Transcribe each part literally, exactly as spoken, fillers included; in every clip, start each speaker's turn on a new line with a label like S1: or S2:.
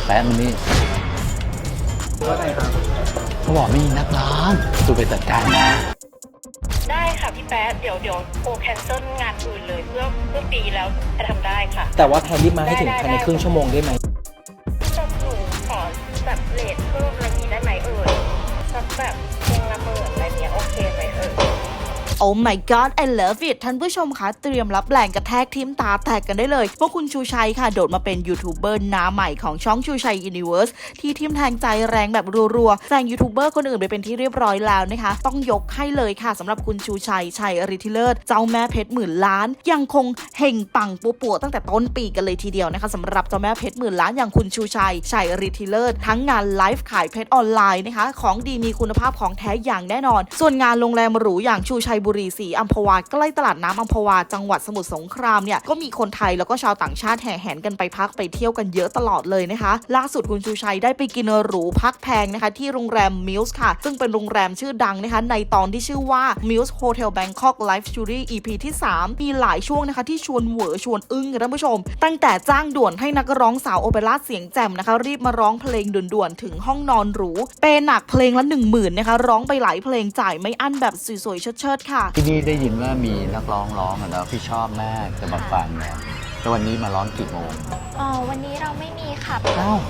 S1: แป๊บนี้ว่าไงครับเขาบอกไม่มีนักร้องตูไปจัดการนะ
S2: ได้ค่ะพี่แป๊ะเดี๋ยวเดี๋ยวโอแคนเซิลงานอื่นเลยเพื่อเพื่อปีแล้วจะทำได้ค่ะ
S3: แต่ว่าแพนรีบมาให้ถึงภายในครึ่งชั่วโมงได้ไหม
S2: จะหนูขอแบบเลทเพิ่มอะไรนี้ได้ไหมเอ่ยสักแบบเพลงละหมื่นอะไรเนี้ยโอเคไหมเอ่ย
S4: Oh my god I love it ท่านผู้ชมคะเตรียมรับแรงกระแทกทิมตาแตกกันได้เลยเพราะคุณชูชัยค่ะโดดมาเป็นยูทูบเบอร์หน้าใหม่ของช่องชูชัยยูนิเวิร์สที่ทิมแทงใจแรงแบบรัวๆแซงยูทูบเบอร์คนอื่นไปเป็นที่เรียบร้อยแล้วนะคะต้องยกให้เลยค่ะสำหรับคุณชูชัยชัยฤทธิเลิศเจ้าแม่เพชรหมื่นล้านยังคงเฮงปังปัวปัวตั้งแต่ต้นปีกันเลยทีเดียวนะคะสำหรับเจ้าแม่เพชรหมื่นล้านอย่างคุณชูชัยชัยฤทธิเลิศทั้งงานไลฟ์ขายเพชรออนไลน์นะคะของดีมีคุณภาพของแท้อย่างแน่นอนส่วนงานโรงแรมหรูอย่างชูชัยบุรีศรีอัมพวาใกล้ตลาดน้ำอัมพวาจังหวัดสมุทรสงครามเนี่ยก็มีคนไทยแล้วก็ชาวต่างชาติแห่แหนกันไปพักไปเที่ยวกันเยอะตลอดเลยนะคะล่าสุดคุณชูชัยได้ไปกินหรูพักแพงนะคะที่โรงแรมมิลส์ค่ะซึ่งเป็นโรงแรมชื่อดังนะคะในตอนที่ชื่อว่า Mills Hotel Bangkok Luxury อี พี ที่สามมีหลายช่วงนะคะที่ชวนเหวอชวนอึ้งค่ะท่านผู้ชมตั้งแต่จ้างด่วนให้นักร้องสาวโอเปร่าเสียงแจ่มนะคะรีบมาร้องเพลงด่วนๆถึงห้องนอนหรูเปหนักเพลงละหนึ่งหมื่นนะคะร้องไปหลายเพลงจ่ายไม่อั้นแบบสวยๆเชิดๆค่ะ
S1: ที่นี่ได้ยินว่ามีนักร้องร้องอ่ะแล้วพี่ชอบมากจะมาฟังเนี่ยแต่วันนี้มาร้องกี่โมง
S5: อ๋อวันนี้เราไม่มีค่ะ
S1: อ้าว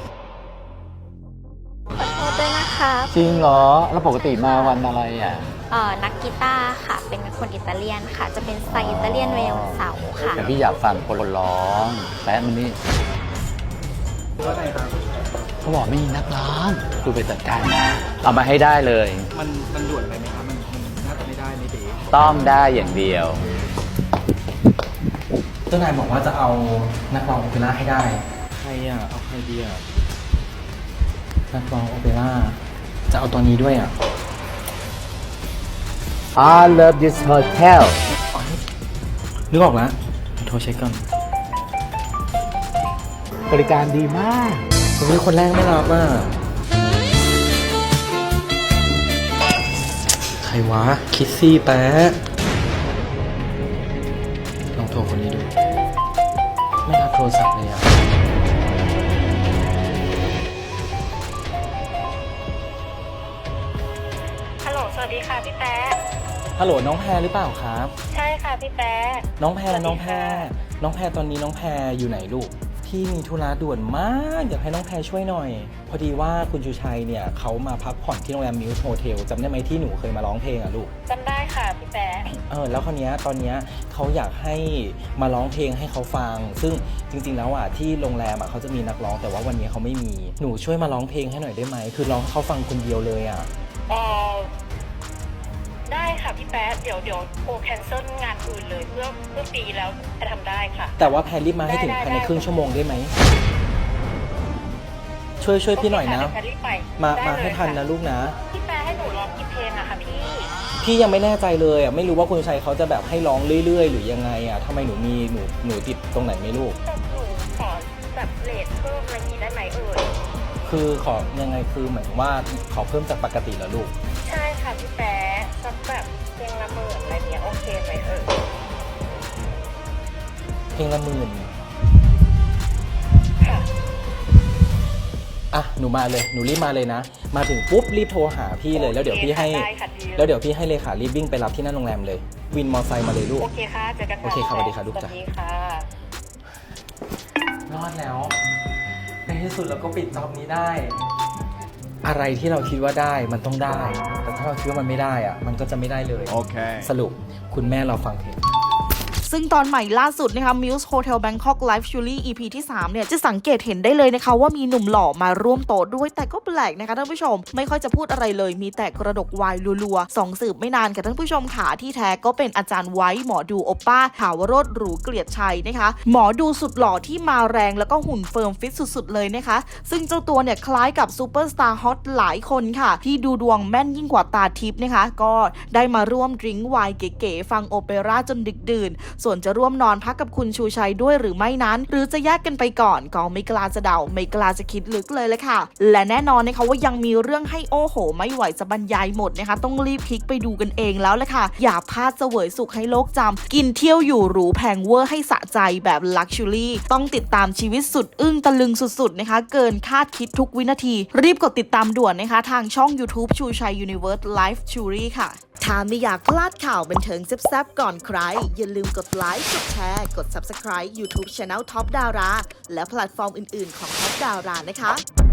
S5: ขอโทษด้วยนะคะ
S1: จริงเหรอแล้วปกติมาวันอะไรอ่ะ
S5: เอ่อนักกีตาร์ค่ะเป็นคนอิตาเลียนค่ะจะเป็นสไตล์อิตาเลียนเวลเสาค่ะ
S1: แต่พี่อยากฟังคนร้องแป๊บนี้ว่าไงครับเขาบอกไม่มีนักร้องตูไปจัดการนะเอามาให้ได้เลย
S3: มันมันด่วนไปไหมครับมันน่าจะไม่ได้ไม่ดี
S1: ต้องได้อย่างเดียว
S3: เจ้านายบอกว่าจะเอานักร้องโอเปร่าให้ได้ใครอ่ะเอาใครดีอ่ะนักร้องโอเปร่าจะเอาตัวนี้ด้วยอ่ะ
S1: I love this hotel
S3: นึกออกแล้วโทรเช็คก่อน
S1: บริการดีมาก
S3: วันนี้คนแรกไม่รับอ่ะใครวะคิสซี่แป๊ะลองโทรคนนี้ดูไม่รับโทรศัพท์เลยอ่ะ
S2: ฮัลโหลสวัสดีค่ะพี่แป๊ะ
S3: ฮัลโหลน้องแพรหรือเปล่าครับ
S2: ใช่ค่ะพี่แป๊ะ
S3: น้องแพรน้องแพรน้องแพรตอนนี้น้องแพรอยู่ไหนลูกพี่มีธุระด่วนมากอยากให้น้องแพรช่วยหน่อยพอดีว่าคุณชูชัยเนี่ยเขามาพักผ่อนที่โรงแรมมิลส์โฮเทลจำได้ไหมที่หนูเคยมาร้องเพลงอ่ะลูก
S2: จำได้ค่ะพี่แป๊ะ
S3: เออแล้วคนนี้ตอนนี้เขาอยากให้มาร้องเพลงให้เขาฟังซึ่งจริงๆแล้วอ่ะที่โรงแรมอ่ะเขาจะมีนักร้องแต่ว่าวันนี้เขาไม่มีหนูช่วยมาร้องเพลงให้หน่อยได้ไหมคือร้องให้เขาฟังคนเดียวเลยอ่ะ
S2: อ๋อได้ค่ะพี่แป๊ะเดี๋ยวเดี๋ยวโอแคนเซิลงานอื่นเลยเพื่อเพื่อปีแล้วจะทำได้ค่ะ
S3: แต่ว่าแพรรีบมาให้ถึงภายในครึ่งชั่วโมงได้ไหมช่วยช่วยพี่หน่อยนะมามาให้ทันนะลูกนะ
S2: พี่แป๊ะให้หนูร้องกี่เพลงอะคะพี่
S3: พี่ยังไม่แน่ใจเลยอ่ะไม่รู้ว่าคุณชัยเขาจะแบบให้ร้องเรื่อยๆหรือยังไงอ่ะทำไมหนูมีหนูหนูติดตรงไหนไม่ลูก
S2: หนูขอแบบเลทเพิ่มอะไรนี้ได้ไหมเอ่ย
S3: คือขอยังไงคือเหมือนว่าขอเพิ่มจากปกติเหรอลูก
S2: ใช่ค่ะพี่แป๊ะสักแบบเพลงละหมื่นอะไรเนี้ยโอเคไหมเอ่ย
S3: เพลงละหมื่น
S2: ค่ะ
S3: อ่ะหนูมาเลยหนูรีบมาเลยนะมาถึงปุ๊บรีบโทรหาพี่เลยแล้วเดี๋ยวพี่ให้แล้วเดี๋ยวพี่ให้เลขารีบวิ่งไปรับที่หน้าโรงแรมเลยวินมอไซค์มาเลยลูก
S2: โอเคค่ะเจอกัน
S3: โอเคครับสวัสดีค่ะลูกจ้ะ
S2: สวัสดีค่ะ
S3: รอดแล้วในที่สุดเราก็ปิดจ็อบนี้ได้อะไรที่เราคิดว่าได้มันต้องได้แต่ถ้าเราคิดว่ามันไม่ได้อะมันก็จะไม่ได้เลยโอเคสรุปคุณแม่เราฟังเพลง
S4: ซึ่งตอนใหม่ล่าสุดนะคะ Mills Hotel Bangkok Luxury อี พี ที่สามเนี่ยจะสังเกตเห็นได้เลยนะคะว่ามีหนุ่มหล่อมาร่วมโต๊ะด้วยแต่ก็แปลกนะคะท่านผู้ชมไม่ค่อยจะพูดอะไรเลยมีแต่กระดกวายรัวๆสองสืบไม่นานค่ะท่านผู้ชมขาที่แท้ก็เป็นอาจารย์ไว้หมอดูโอป้าถาวโรจน์หรูเกลียดชัยนะคะหมอดูสุดหล่อที่มาแรงแล้วก็หุ่นเฟิร์มฟิตสุดๆเลยนะคะซึ่งเจ้าตัวเนี่ยคล้ายกับซูเปอร์สตาร์ฮอตหลายคนค่ะที่ดูดวงแม่นยิ่งกว่าตาทิพย์นะคะก็ได้มาร่วมดริงก์ไวน์เก๋ๆฟังโอเปร่าจนดึกดื่นส่วนจะร่วมนอนพักกับคุณชูชัยด้วยหรือไม่นั้นหรือจะแยกกันไปก่อนก็ไม่กล้าจะเดาไม่กล้าจะคิดลึกเลยเลยค่ะและแน่นอนนะคะว่ายังมีเรื่องให้โอ้โหไม่ไหวจะบรรยายหมดนะคะต้องรีบคลิกไปดูกันเองแล้วแหละค่ะอย่าพลาดเสวยสุขให้โลกจำกินเที่ยวอยู่หรูแพงเวอร์ให้สะใจแบบลักชัวรี่ต้องติดตามชีวิตสุดอึ้งตะลึงสุดๆนะคะเกินคาดคิดทุกวินาทีรีบกดติดตามด่วนนะคะทางช่อง YouTube ชูชัย Universe Life Story ค่ะถ้าไม่อยากพลาดข่าวบันเทิงแซ่บๆก่อนใครอย่าลืมกดไลค์กดแชร์กด Subscribe YouTube Channel Top Dara และแพลตฟอร์มอื่นๆของ Top Dara นะคะ